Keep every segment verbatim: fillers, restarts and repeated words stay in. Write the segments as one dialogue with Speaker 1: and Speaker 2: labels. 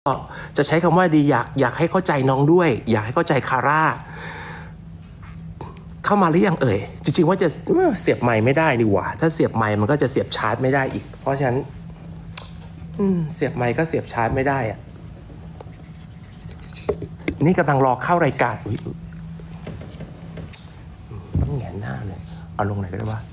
Speaker 1: จะใช้คำว่าดีอยากอยากให้เข้าใจน้องด้วยอยากให้เข้าใจคาร่าเข้ามาหรือยังเอ่ยจริงๆว่าจะเสียบไมค์ไม่ได้นี่หว่าถ้าเสียบไมค์มันก็จะเสียบชาร์จไม่ได้อีกเพราะฉะนั้นเสียบไมค์ก็เสียบชาร์จไม่ได้อะนี่กำลังรอเข้ารายการอุ๊ยต้องแหงนหน้าเลยเอาลงไหนก็ได้วะ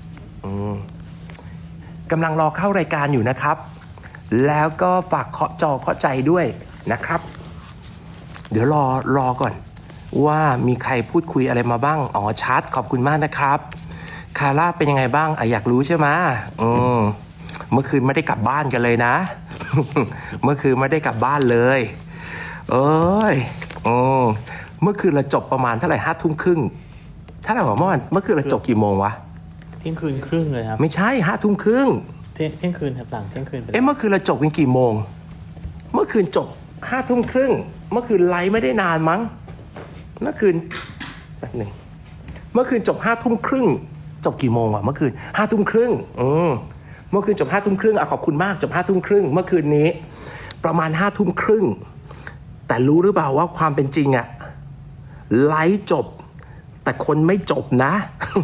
Speaker 1: กำลังรอเข้ารายการอยู่นะครับแล้วก็ฝากเคาะจอเคาะใจด้วยนะครับเดี๋ยวรอรอก่อนว่ามีใครพูดคุยอะไรมาบ้างอ๋อชัดขอบคุณมากนะครับคาร่าเป็นยังไงบ้างอ่ะอยากรู้ใช่ไหมอืมเมื่อคืนไม่ได้กลับบ้านกันเลยนะ เมื่อคืนไม่ได้กลับบ้านเลยเอ้ยอืมเมื่อคืนเราจบประมาณเท่าไหร่ห้าทุ่มครึ่งถ้าเราบอกเมื่อวานเมื่อคืนเราจบกี่โมงวะ
Speaker 2: เที่ยงคืนครึ่งเลยครับ
Speaker 1: ไม่ใช่ห้าทุ่มครึ่ง
Speaker 2: เที่ยงเที่ยงคืนครับหลังเที่ยงคืนไป
Speaker 1: เอ๊ะเมื่อคืนเราจบกันกี่โมงเมื่อคืนจบห้าทุ่มครึ่งเมื่อคืนไลฟ์ไม่ได้นานมั้งเมื่อคืนแป๊บหนึ่งเมื่อคืนจบห้าทุ่มครึ่งจบกี่โมงวะเมื่อคืนห้าทุ่มครึ่งอืมเมื่อคืนจบห้าทุ่มครึ่งอ่ะขอบคุณมากจบห้าทุ่มครึ่งเมื่อคืนนี้ประมาณห้าทุ่มครึ่งแต่รู้หรือเปล่าว่าความเป็นจริงอะไลฟ์จบแต่คนไม่จบนะ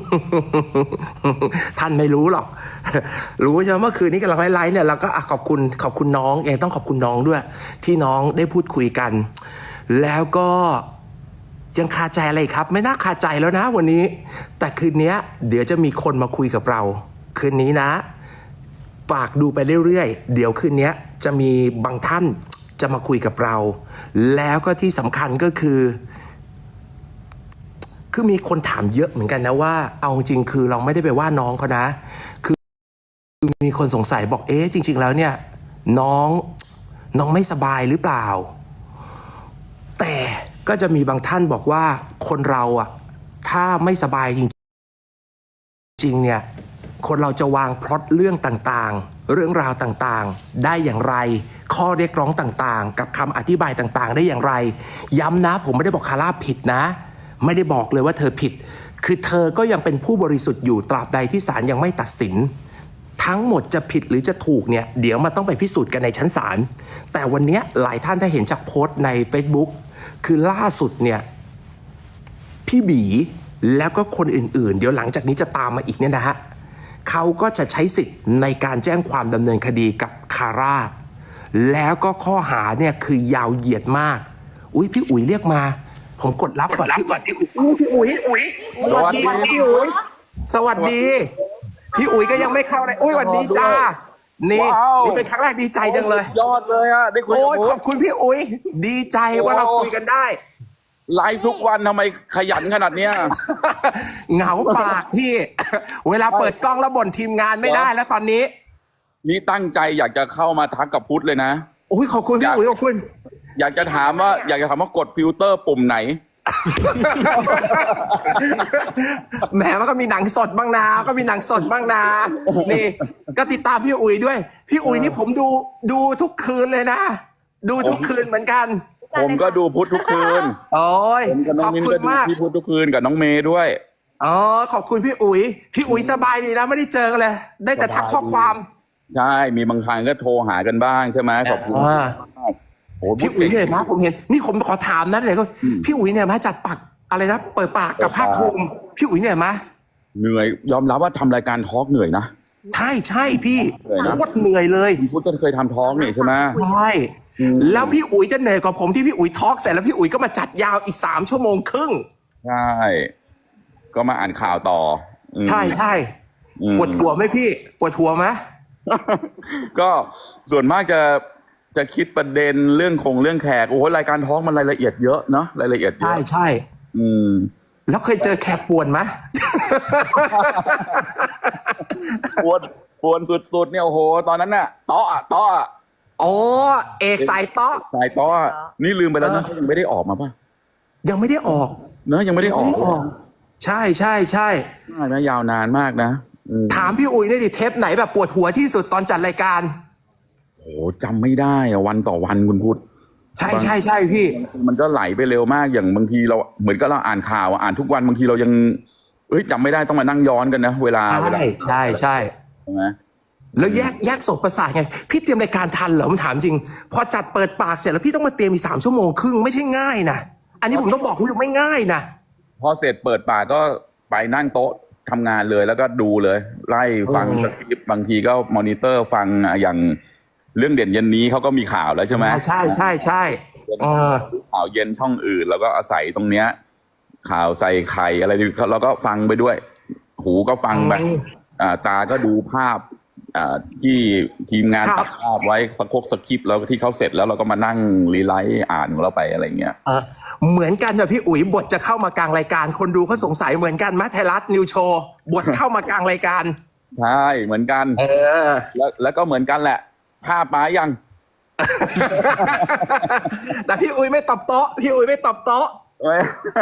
Speaker 1: ท่านไม่รู้หรอกรู้ใช่ไหมเมื่อคืนนี้กำลังไลฟ์เนี่ยเราก็ขอบคุณขอบคุณน้องเองต้องขอบคุณน้องด้วยที่น้องได้พูดคุยกันแล้วก็ยังคาใจอะไรครับไม่น่าคาใจแล้วนะวันนี้แต่คืนนี้เดี๋ยวจะมีคนมาคุยกับเราคืนนี้นะฝากดูไปเรื่อยๆเดี๋ยวคืนนี้จะมีบางท่านจะมาคุยกับเราแล้วก็ที่สำคัญก็คือคือมีคนถามเยอะเหมือนกันนะว่าเอาจริงคือเราไม่ได้ไปว่าน้องเขานะคือมีคนสงสัยบอกเอ๊ะจริงๆแล้วเนี่ยน้องน้องไม่สบายหรือเปล่าแต่ก็จะมีบางท่านบอกว่าคนเราอะถ้าไม่สบายจริงๆเนี่ยคนเราจะวางพล็อตเรื่องต่างๆเรื่องราวต่างๆได้อย่างไรข้อเรียกร้องต่างๆกับคำอธิบายต่างๆได้อย่างไรย้ำนะผมไม่ได้บอกคาร่าผิดนะไม่ได้บอกเลยว่าเธอผิดคือเธอก็ยังเป็นผู้บริสุทธิ์อยู่ตราบใดที่ศาลยังไม่ตัดสินทั้งหมดจะผิดหรือจะถูกเนี่ยเดี๋ยวมันต้องไปพิสูจน์กันในชั้นศาลแต่วันนี้หลายท่านถ้าเห็นจากโพสต์ใน Facebook คือล่าสุดเนี่ยพี่บีแล้วก็คนอื่นๆเดี๋ยวหลังจากนี้จะตามมาอีกเนี่ยนะฮะเขาก็จะใช้สิทธิ์ในการแจ้งความดำเนินคดีกับคาร่าแล้วก็ข้อหาเนี่ยคือยาวเหยียดมากอุ้ยพี่อุ๋ยเรียกมาผมกดรับก่อนพี่ก่อนพี่อุ๋ยพี่อุ๋ยอุ๋ยสวัสดีพี่อุ๋ยสวัสดีพี่อุ๋ยก็ยังไม่เข้าเลยอุ้ยสวัสดีจ้านี่นี่เป็นครั้งแรกดีใจจังเลย
Speaker 3: ยอดเลยอ่ะได้คุยกับ
Speaker 1: โอ้ยขอบคุณพี่อุ๋ยดีใจว่าเราคุยกันได้
Speaker 3: ไลฟ์ทุกวันทำไมขยันขนาดเนี้ย
Speaker 1: เหงาปากพี่เวลาเปิดกล้องแล้วบ่นทีมงานไม่ได้แล้วตอนนี้
Speaker 3: นี่ตั้งใจอยากจะเข้ามาทักกับพุทธเลยนะ
Speaker 1: โอ้ยขอบคุณพี่อุ๋ยขอบคุณ
Speaker 3: อยากจะถามว่าอยากจะถามว่ากดฟิลเตอร์ปุ่มไหน
Speaker 1: แหมมันก็มีหนังสดบ้างนาก็มีหนังสดบ้างนานี่ก็ติดตามพี่อุ๋ยด้วยพี่อุ๋ยนี่ผมดูดูทุกคืนเลยนะดูทุกคืนเหมือนกัน
Speaker 3: ผมก็ดูพุทธทุกคืน
Speaker 1: โอ้ยขอบคุณมาก
Speaker 3: พี่พุทธทุกคืนกับน้องเมย์ด้วย
Speaker 1: อ๋อขอบคุณพี่อุ๋ยพี่อุ๋ยสบายดีนะไม่ได้เจอกันเลยได้แต่ทักข้อความ
Speaker 3: ใช่มีบางครั้งก็โทรหากันบ้างใช่ไหมขอบคุณ
Speaker 1: พี่อุ๋ยเนี่ยนะผมเห็นนี่ผมขอถามนะเลยก็พี่อุ๋ยเนี่ยมาจัดปากอะไรนะเปิดปากกับภาคภูมิพี่อุ๋ยเนี่ยมา
Speaker 3: เหนื่อยยอมรับว่าทำรายการทอล์กเหนื่อยนะ
Speaker 1: ใช่ใช่พี่โคตรเหนื่อยเลย
Speaker 3: พี่พุทธก็เคยทำทอล์กนี่ใช่ไหม
Speaker 1: ใช่แล้วพี่อุ๋ยจะเหนื่อยกว่าผมที่พี่อุ๋ยทอล์กเสร็จแล้วพี่อุ๋ยก็มาจัดยาวอีกสามชั่วโมงครึ่ง
Speaker 3: ใช่ก็มาอ่านข่าวต่อ
Speaker 1: ใช่ใช่ปวดหัวไหมพี่ปวดหัวไหม
Speaker 3: ก็ส่วนมากจะจะคิดประเด็นเรื่องคงเรื่องแขกโอ้โหรายการท้องมันรายละเอียดเยอะเนาะรายละเอียดเยอะ
Speaker 1: ใช่ใช่
Speaker 3: อืม
Speaker 1: แล้วเคยเจอแขกป่วนไหม
Speaker 3: ป่วนป่วนสุดๆเนี่ยโอ้โหตอนนั้นน่ะเตาะอะเตาะอะ
Speaker 1: โอ้เอกสายเตาะ
Speaker 3: สายเตาะนี่ลืมไปแล้วนะยังไม่ได้ออกมาป่ะ
Speaker 1: ยังไม่ได้ออก
Speaker 3: เนอะยังไม่ได้ออก
Speaker 1: ใช่ใช่ใช่
Speaker 3: นะยาวนานมากนะ
Speaker 1: ถามพี่อุ๋ยได้ดิเทปไหนแบบปวดหัวที่สุดตอนจัดรายการ
Speaker 3: โอ้จำไม่ได้อะวันต่อวันคุณพุทธ
Speaker 1: ใช่ใช่ใช่พี่
Speaker 3: มันก็ไหลไปเร็วมากอย่างบางทีเราเหมือนกับเราอ่านข่าวอ่านทุกวันบางทีเรายังเอ้ยจำไม่ได้ต้องมานั่งย้อนกันนะเวลา
Speaker 1: ใช่ใช่ใช่
Speaker 3: ใช่ไหม
Speaker 1: แล้วแยกแยกศพประสาทไงพี่เตรียมรายการทันเหรอผมถามจริง พอจัดเปิดปากเสร็จแล้วพี่ต้องมาเตรียมอีกสามชั่วโมงครึ่งไม่ใช่ง่ายนะอันนี้ผมต้องบอกคุณผู้ชมไม่ง่ายนะ
Speaker 3: พอเสร็จเปิดปากก็ไปนั่งโต๊ะทำงานเลยแล้วก็ดูเลย ไล่ฟัง
Speaker 1: อืม
Speaker 3: สคริปต์บางทีก็มอนิเตอร์ฟังอย่างเรื่องเด่นเย็นนี้เขาก็มีข่าวแล้วใช่ไหม
Speaker 1: ใช่ใช่ใช่เออ
Speaker 3: ข่าวเย็นช่องอื่น แล้วก็อาศัยตรงเนี้ย ข่าวใส่ไข่อะไรเราก็ฟังไปด้วย หูก็ฟังไป
Speaker 1: อืม
Speaker 3: อ่าตาก็ดูภาพอ่าที่ทีมงาน
Speaker 1: ครับ
Speaker 3: ตัดภาพไว้สกกสคริปต์แล้วที่เขาเสร็จแล้วเราก็มานั่งรีไลท์อ่านของเราไปอะไรเงี้ย
Speaker 1: เออเหมือนกันแบบพี่อุ๋ยบทจะเข้ามากลางรายการ คนดูเขาสงสัยเหมือนกันไหมไทยรัฐนิวโชว์บทเข้ามากลางรายการ
Speaker 3: ใช่เหมือนกัน
Speaker 1: เออ
Speaker 3: แล้วแล้วก็เหมือนกันแหละ ภาพมายัง
Speaker 1: แต่พี่อุ๋ยไม่ตอบโต๊ะพี่อุ๋ยไม่ตอบโต๊ะ
Speaker 3: เอ้ย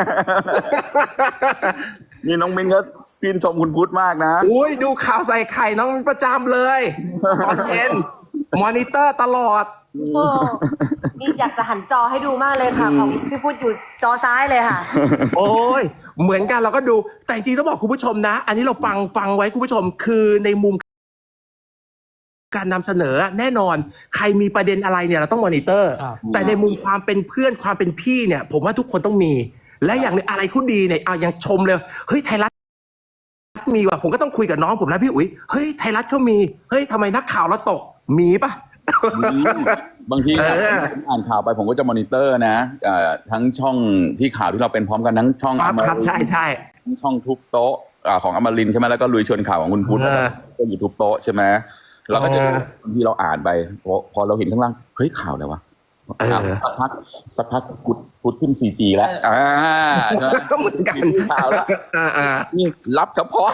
Speaker 3: นี่น้องมินก็ชื่นชมคุณพุทธมากนะ
Speaker 1: อุ้ยดูข่าวใส่ไข่น้องประจำเลย ตอนเย็นมอนิเตอร์ตลอด
Speaker 4: โอ้นี่อยากจะหันจอให้ดูมากเลยค่ะ ของพี่พุทธอยู่จอซ้ายเลยค่ะ
Speaker 1: โอ้ยเหมือนกันเราก็ดู แต่จริงๆต้องบอกคุณผู้ชมนะ อันนี้เราฟังฟังไว้คุณผู้ชม คือในมุมการนำเสนอแน่นอน ใครมีประเด็นอะไรเนี่ยเราต้องมอนิเตอร์
Speaker 2: ครับ
Speaker 1: แต่ในมุมความเป็นเพื่อนความเป็นพี่เนี่ย ผมว่าทุกคนต้องมี และอย่างหนึ่งอะไรเขาดีเนี่ยเอายังชมเลยเฮ้ยไทยรัฐมีว่ะผมก็ต้องคุยกับน้องผมนะพี่อุ๋ยเฮ้ยไทยรัฐเขามีเฮ้ยทำไมนักข่าวเราตกมีปะ
Speaker 3: บางที
Speaker 1: เออ
Speaker 3: ผมอ่านข่าวไปผมก็จะมอนิเตอร์นะเอ่อทั้งช่องที่ข่าวที่เราเป็นพร้อมกันทั้งช่อง
Speaker 1: ครับ
Speaker 3: อม
Speaker 1: ครับ
Speaker 3: รินท
Speaker 1: ใช่ใช่
Speaker 3: ทั้งช่องทุบโต๊ะอ่าของอมรินทร์ใช่ไหมแล้วก็ลุยชวนข่าวของคุณพุทธ
Speaker 1: เออ
Speaker 3: ก็อยู่ทุบโต๊ะใช่ไหมเราก็จะ
Speaker 1: เออ
Speaker 3: บางทีเราอ่านไปพอพอเราเห็นข้างล่างเฮ้ยข่าวอะไรวะ
Speaker 1: เออ
Speaker 3: สักพักสักพักพุทธพุทธขึ้น ซี จี แล้วอ่าใช่ไหม
Speaker 1: เหมือนกัน
Speaker 3: มีข่าวแล้ว
Speaker 1: อ่าอ่า
Speaker 3: นี่รับเฉพาะ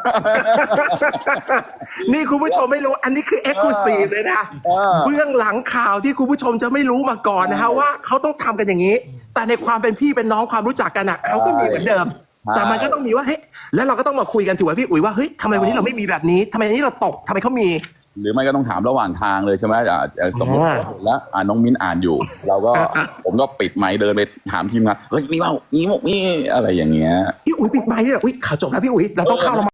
Speaker 1: นี่คุณผู้ชมไม่รู้ อันนี้คือเอ็กซ์คลูซีฟเลยนะ
Speaker 3: เออ
Speaker 1: เบื้องหลังข่าวที่คุณผู้ชมจะไม่รู้มาก่อนนะฮะว่าเขาต้องทำกันอย่างนี้ แต่ในความเป็นพี่เป็นน้องความรู้จักกันอ่ะเขาก็มีเหมือนเดิม
Speaker 3: ใช่
Speaker 1: แต่มันก็ต้องมีว่าเฮ้ยแล้วเราก็ต้องมาคุยกันถูกไหมพี่อุ๋ยว่าเฮ้ยทำไมวันนี้เราไม่มีแบบนี้ทำไมวันนี้เราตกทำไมเขามี
Speaker 3: หรือไม่ก็ต้องถามระหว่างทางเลยใช่ไหมอ่าอ่าสมมติ
Speaker 1: อ่า
Speaker 3: เห็นแล้วอ่าน้องมิ้นอ่านอยู่ เราก็ผมก็ปิดไมค์เดินไปถามทีมงานเฮ้ยมีเปล่ามีมั้ยมีอะไรอย่างเงี้ย
Speaker 1: พี่อุ๋ยปิดไมค์เนี่ยอุ้ยข่าวจบแล้วพี่อุ๋ยเราต้องเข้าเรา